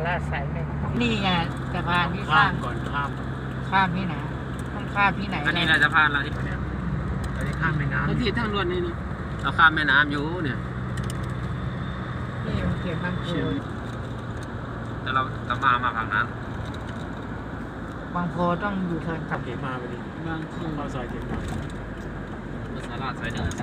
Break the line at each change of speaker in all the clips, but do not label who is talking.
ลาดสายหนึ่งนี่ไงสะพานที่ส
ข้า
ร้าง
มก่อนข้าม
ข้ามที่ไหนต้องข้ามที่ไหน
อันนี้เราจะพานเราที่
เราจะข้ามแม่น้ำ
แล้วที่ทางด่วนนี่นี่เราข้ามแม่น้ำอยู่เนี่ย
นี่มันเขียนบางโพ
แต่เราจะมาฝั่งนั้น
บางโพต้องอยู่เทิร์นกลับ
เขมาไปดิ
บางที
เข้าซอยเขมา
ภาษาลาดสายหนึ่ง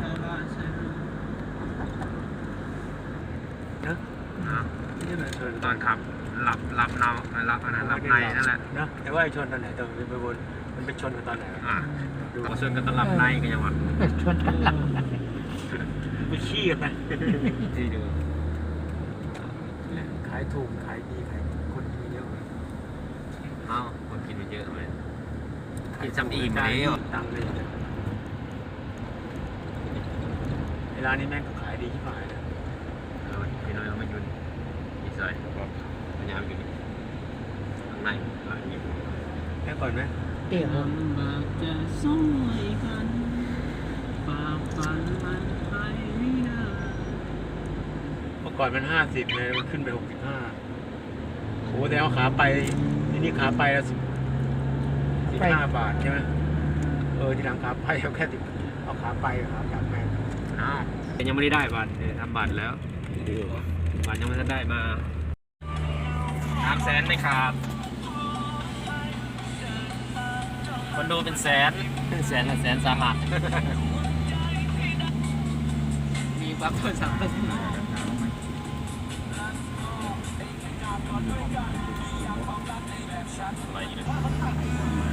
เนอะ
นะ
นี่แหละชน
ตอนขับหลับเนาหลับอันนั้นหลับในนั่นแหละ
เนอะแต่ว่าไอ้ชนตอนไหนตอนไปบนมันไปชนกันตอนไหนวะ
ดูส่วนกันตลับในกันยังวะ
ชนกันหลัง
ไปขี้กันไหม
ที่ดู
ขายถูกขายดีขายคนกินเยอะ
เอ้าคนกินไปเยอะเลยกินจำอิ่มแล้ว
ตังเลยเวลานี้แม่งก็ขายดีที่ฝ่ายนะ
พี่น้อยเราไม่ยุ่นอีสายพยายามอยู่นี่ข้างในหลังนี้
แค่ก่อนไหม
เดี๋ยว
จะสวยกันฝ่าฟันมันไปไม่ได้
เมื่อก่อนมัน50เลยมันขึ้นไป65โอ้แต่เอาขาไปนี่ขาไปละ15 บาทใช่ไหมทีหลังขาไปเอาแค่เอาขาไปขากลับแม่ง
อ้าวยังไม่ได้บัตรทำบัตรแล้วบัตรยังไม่ได้มา300,000ไม่ขาดคอนโดเป็นแสนละแสนสาหัสมีบัตรโทรศัพท์อะไรอยู่เนี่ย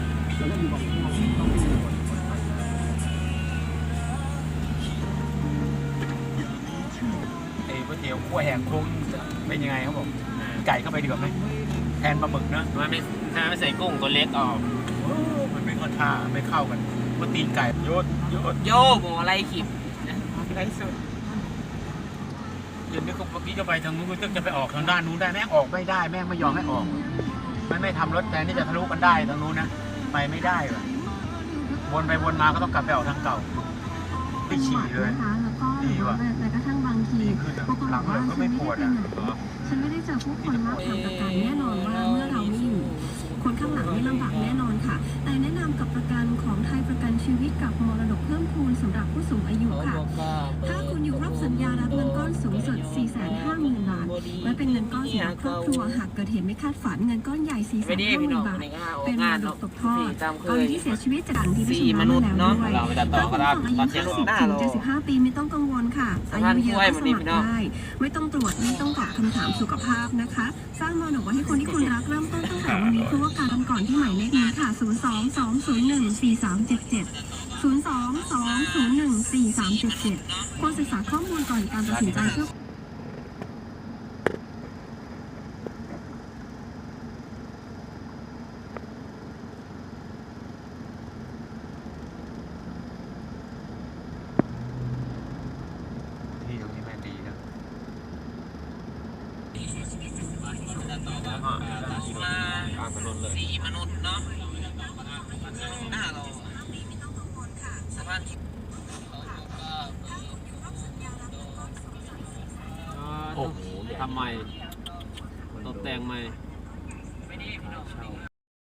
ก๋วยเตี๋ยวขั้วแห้งคุ้งเป็นยังไงครับผมไก่เข้าไปดีกว่าไหมแทนปลาหมึกนะ
มันไม่ใส่กุ้งตัวเล็กออก
มันไม่เข้าท่าไม่เข้ากันว่าตีนไก่โยด
โยบอะไรขิบ
ไรสุด
เดี๋ยวนี้ก็เมื่อกี้จะไปทางนู้นก็จะไปออกทางด้านนู้นได้แม่งออกไม่ได้แม่งไม่ยอมให้ออกมันไม่ทำรถแทนที่จะทะลุกันได้ทางนู้นนะไปไม่ได้ว่ะวนไปวนมาก็ต้องกลับไปออกทางเก่าไม่ฉี่เลย
นะคะแล้วก็หรือว่าแม้กระทั่งบางที
นี่คือ
บางคน
หลั
บ
ง
อก
เล
ว่าย
ก็ไม่ปวดอ่ะ
ฉันไม่ได้เจอผู้คนรอบทางประกันแน่นอนว่าเมื่อเราไม่อยู่ คนข้างหลังไม่ลำบากแน่นอนค่ะ แต่แนะนำกับประกันของไทยประกันชีวิตกับมรดกเพิ่มพูนสำหรับผู้สูงอายุค่ะ ถ้าคุณอยู่ครบสัญญารับเงินก้อนสูงสุด 450,000 บาทไว้เป็นเงินก้อนสำหรับครอบครัวหากเกิดเหตุไม่คาดฝันเงินก้อนใหญ่ 450,000 บาท เป็นมรดกตกทอดกรณีที่เสียชีวิตจากการที่ไม่ชำระมาแล้วด้วย
เราไปตัดต่อก็ได้
ถ้าคุณอายุ50 ถึง 75 ปีไม่ต้องกังวลค่ะ อายุเยอะก็สมัครได้ ไม่ต้องตรวจไม่ต้องตอบคำถามสุขภาพนะคะ สร้างมรดกไว้ให้คนที่คุณรักเริ่มต้นตั้งแต่วันนี้เพราะว่าการทำก่อนที่หมายเลขนี้ค่ะ 022014377 022014377 ควรศึกษาข้อมูลก่อนการตัดสินใจเพื่อ
ที่ตรงนี้แม่ดีนะ
กลางถนนเลยสีมนุษย์เนาะหน้าเราสะพานโอ้โหทำใหม่ตกแต่งใหม่